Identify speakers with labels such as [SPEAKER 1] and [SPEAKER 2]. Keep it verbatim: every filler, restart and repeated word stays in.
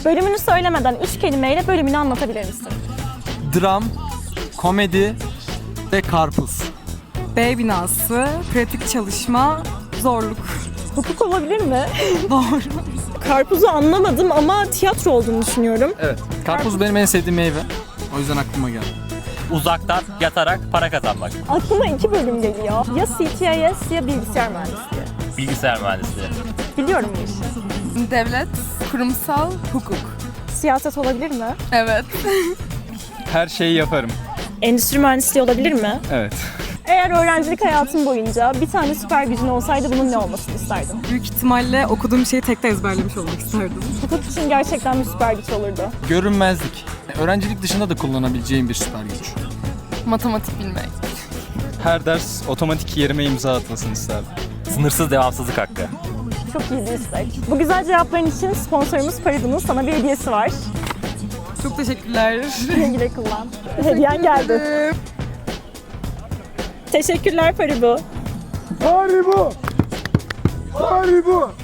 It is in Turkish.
[SPEAKER 1] Bölümünü söylemeden üç kelimeyle bölümünü anlatabilir misin?
[SPEAKER 2] Dram, komedi ve karpuz.
[SPEAKER 3] B binası, pratik çalışma, zorluk.
[SPEAKER 1] Hukuk olabilir mi?
[SPEAKER 3] Doğru.
[SPEAKER 1] Karpuzu anlamadım ama tiyatro olduğunu düşünüyorum.
[SPEAKER 2] Evet. Karpuz benim en sevdiğim meyve. O yüzden aklıma geldi.
[SPEAKER 4] Uzaktan yatarak para kazanmak.
[SPEAKER 1] Aklıma iki bölüm geliyor. Ya C T I S ya bilgisayar mühendisliği.
[SPEAKER 4] Bilgisayar mühendisliği.
[SPEAKER 1] Biliyorum bu işi.
[SPEAKER 3] Devlet, kurumsal, hukuk.
[SPEAKER 1] Siyaset olabilir mi?
[SPEAKER 3] Evet.
[SPEAKER 5] Her şeyi yaparım.
[SPEAKER 1] Endüstri mühendisliği olabilir mi?
[SPEAKER 5] Evet.
[SPEAKER 1] Eğer öğrencilik hayatın boyunca bir tane süper gücün olsaydı bunun ne olmasını isterdin?
[SPEAKER 3] Büyük ihtimalle okuduğum şeyi tek de ezberlemiş olmak isterdim.
[SPEAKER 1] Hukuk için gerçekten bir süper güç olurdu.
[SPEAKER 2] Görünmezlik. Öğrencilik dışında da kullanabileceğim bir süper güç.
[SPEAKER 3] Matematik bilmek.
[SPEAKER 5] Her ders otomatik yerime imza atmasını isterdim.
[SPEAKER 4] Sınırsız devamsızlık hakkı.
[SPEAKER 1] Çok iyi bir istek. Bu güzel cevapların için sponsorumuz Paribu'nun sana bir hediyesi var.
[SPEAKER 3] Çok teşekkürler.
[SPEAKER 1] Güle güle kullan. Hediyen geldi. Teşekkürler Paribu.
[SPEAKER 6] Haribo! Haribo!